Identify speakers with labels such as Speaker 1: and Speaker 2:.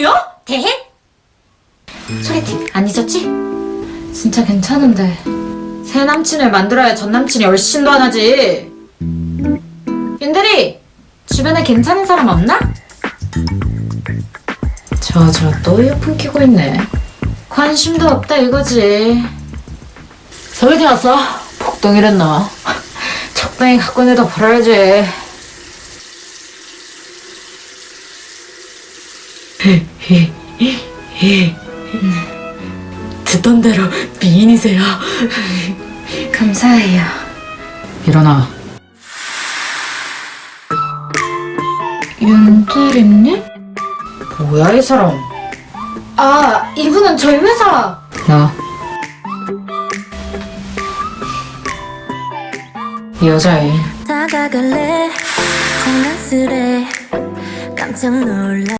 Speaker 1: 대행이요? 대행? 소개팅 안 잊었지? 진짜 괜찮은데 새 남친을 만들어야 전 남친이 얼씬도 안 하지. 윤대리 주변에 괜찮은 사람 없나? 저 또 이어폰 끼고 있네. 관심도 없다 이거지. 소개팅 왔어? 복덩이랬나? 적당히 갖고 내다 버려야지. 듣던 대로 미인이세요. 감사해요. 일어나. 윤대리님? 뭐야 이 사람? 아 이분은 저희 회사. 나. 이 여자애.
Speaker 2: 다가갈래 장난스레 깜짝 놀라